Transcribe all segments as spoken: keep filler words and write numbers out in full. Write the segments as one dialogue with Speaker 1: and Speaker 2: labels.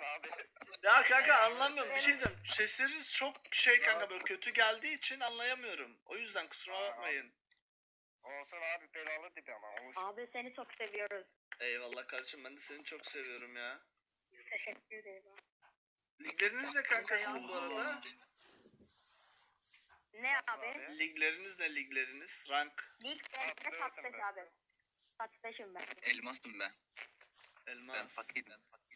Speaker 1: abi.
Speaker 2: Ya kanka anlamıyorum. Bir şey diyeceğim. Sesleriniz çok şey kanka böyle kötü geldiği için anlayamıyorum. O yüzden kusura bakmayın.
Speaker 1: Olsun abi belalı tipi ama. Olsun.
Speaker 3: Abi seni çok seviyoruz.
Speaker 2: Eyvallah kardeşim ben de seni çok seviyorum ya.
Speaker 3: Teşekkür ederim.
Speaker 2: Ligleriniz ne kanka sizin bu arada?
Speaker 3: Ne abi?
Speaker 2: Ligleriniz ne ligleriniz? Rank.
Speaker 3: Lig dersine tatlıs abi. Tatlısım ben.
Speaker 4: Elmasım ben. Ben
Speaker 2: Elmas.
Speaker 4: fakir. Ben fakir.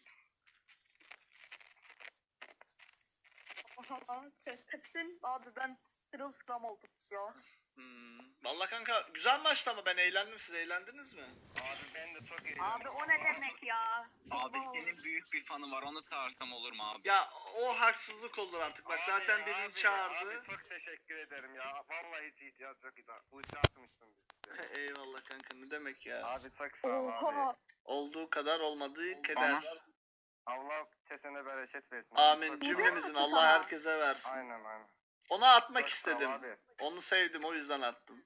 Speaker 3: Kesin abi ben sırılsıklam oldum ya.
Speaker 2: Hmm. Vallahi kanka güzel maçtı ama ben eğlendim. Siz eğlendiniz mi?
Speaker 1: Abi ben de çok iyi.
Speaker 3: Abi o ne demek ya?
Speaker 4: Abi senin büyük bir fanı var, onu çağırsam olur mu abi?
Speaker 2: Ya o haksızlık olur artık. Bak
Speaker 1: Abi,
Speaker 2: zaten birini
Speaker 1: abi,
Speaker 2: çağırdı.
Speaker 1: Abi çok teşekkür ederim ya. Vallahi hiç ihtiyaç yok. Uçağı atmışsın biz.
Speaker 2: Eyvallah kanka ne demek ya.
Speaker 1: Abi çok sağ ol abi.
Speaker 3: Oha.
Speaker 2: Olduğu kadar olmadığı keder.
Speaker 1: Allah kesene bereket versin.
Speaker 2: Amin
Speaker 1: Çok-
Speaker 2: cümlemizin
Speaker 3: Güzel
Speaker 2: Allah
Speaker 3: ama.
Speaker 2: herkese versin.
Speaker 1: Aynen aynen.
Speaker 2: Ona atmak
Speaker 1: Çok sağ ol
Speaker 2: istedim.
Speaker 1: abi.
Speaker 2: Onu sevdim o yüzden attım.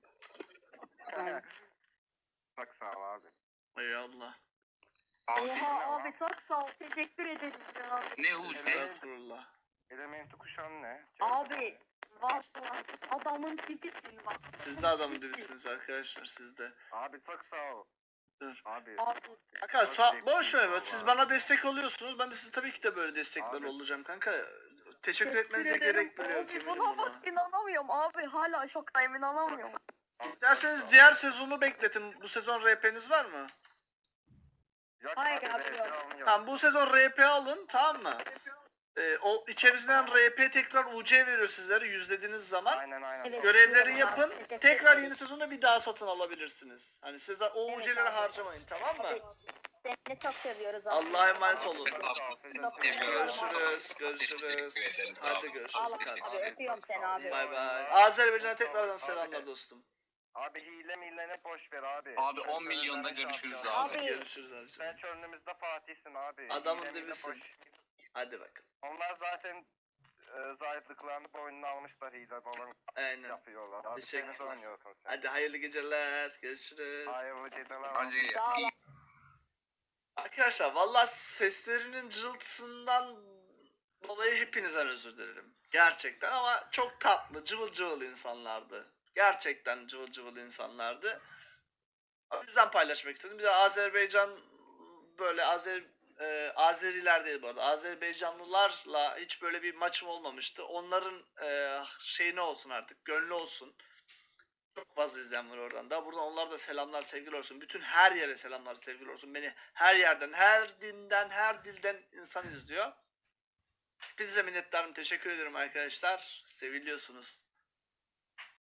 Speaker 1: Çok sağ ol abi.
Speaker 2: Eyvallah.
Speaker 3: Oha abi çok sağ ol. Teşekkür ederim ya.
Speaker 4: Ne Hulusi?
Speaker 2: Estağfurullah.
Speaker 1: Elementi kuşan ne?
Speaker 3: Abi vallahi adamın tipisin bak.
Speaker 2: Siz de adamın dibisiniz arkadaşlar siz de.
Speaker 1: Abi çok sağ ol.
Speaker 2: Dur.
Speaker 1: Abi.
Speaker 3: Abi.
Speaker 2: Kanka
Speaker 1: Çok
Speaker 2: sa-
Speaker 1: zevkli
Speaker 2: boş ver.
Speaker 1: vallahi.
Speaker 2: Siz bana destek oluyorsunuz. Ben de size tabii ki de böyle destekler
Speaker 1: Abi.
Speaker 2: olacağım kanka. Teşekkür etmenize
Speaker 3: ederim.
Speaker 2: gerek bile yok
Speaker 3: Abi
Speaker 2: eminim
Speaker 3: buna
Speaker 2: buna.
Speaker 3: bak inanamıyorum abi. Hala şoktayım inanamıyorum.
Speaker 2: İsterseniz diğer sezonu bekletin. Bu sezon R P'niz var mı?
Speaker 1: Yok
Speaker 3: Hayır
Speaker 1: abi,
Speaker 3: abi,
Speaker 1: ben
Speaker 3: yok.
Speaker 1: şey almıyorum.
Speaker 2: Tamam bu sezon R P alın tamam mı? Ee, o içerisinden R P tekrar U C veriyor sizlere yüzlediğiniz zaman.
Speaker 1: Aynen aynen.
Speaker 3: Evet.
Speaker 2: Görevleri yapın.
Speaker 3: Teşekkür
Speaker 2: Tekrar
Speaker 3: ederim.
Speaker 2: yeni sezonda bir daha satın alabilirsiniz. Hani siz de o
Speaker 3: Evet
Speaker 2: U C'leri
Speaker 3: abi.
Speaker 2: harcamayın tamam mı?
Speaker 3: Abi, seni çok seviyoruz abi.
Speaker 2: Allah'a emanet olun.
Speaker 3: Çok seviyorum.
Speaker 2: Görüşürüz, görüşürüz.
Speaker 4: Teşekkür ederiz
Speaker 2: Hadi
Speaker 4: abi.
Speaker 2: görüşürüz
Speaker 3: Allah
Speaker 2: kardeşim.
Speaker 3: abi öpüyorum seni abi.
Speaker 2: Bay bay. Azerbaycan'a tekrardan
Speaker 1: Abi.
Speaker 2: selamlar dostum.
Speaker 1: Abi hile milene boş ver abi.
Speaker 4: Abi
Speaker 1: Sen
Speaker 4: on milyonda
Speaker 1: Çöller'e
Speaker 4: görüşürüz
Speaker 1: şampiyon.
Speaker 4: abi.
Speaker 3: Abi.
Speaker 2: Görüşürüz abicim.
Speaker 1: Sen çölümüzde Fatih'sin abi.
Speaker 2: Adamın
Speaker 1: Hile mile
Speaker 2: dibisin.
Speaker 1: boş.
Speaker 2: Hadi bakalım.
Speaker 1: Onlar zaten e, zayıflıklarını boynuna almışlar hile falan
Speaker 2: Aynen.
Speaker 1: yapıyorlar. Abi
Speaker 2: Teşekkürler.
Speaker 1: temiz oynuyorsun sen.
Speaker 2: Hadi hayırlı geceler. Görüşürüz.
Speaker 1: Hayırlı geceler.
Speaker 4: Hadi.
Speaker 3: Sağ ol.
Speaker 2: Arkadaşlar valla seslerinin cırıltısından dolayı hepinizden özür dilerim. Gerçekten ama çok tatlı, cıvıl cıvıl insanlardı. Gerçekten cıvıl cıvıl insanlardı. O yüzden paylaşmak istedim. Bir de Azerbaycan böyle Azer e, Azeriler değil bu arada. Azerbaycanlılarla hiç böyle bir maçım olmamıştı. Onların e, şey ne olsun artık, gönlü olsun. Çok fazla izleyen var oradan da. Buradan onlara da selamlar, sevgiler olsun. Bütün her yere selamlar, sevgiler olsun. Beni her yerden, her dinden, her dilden insan izliyor. Size minnettarım. Teşekkür ederim arkadaşlar. Seviliyorsunuz.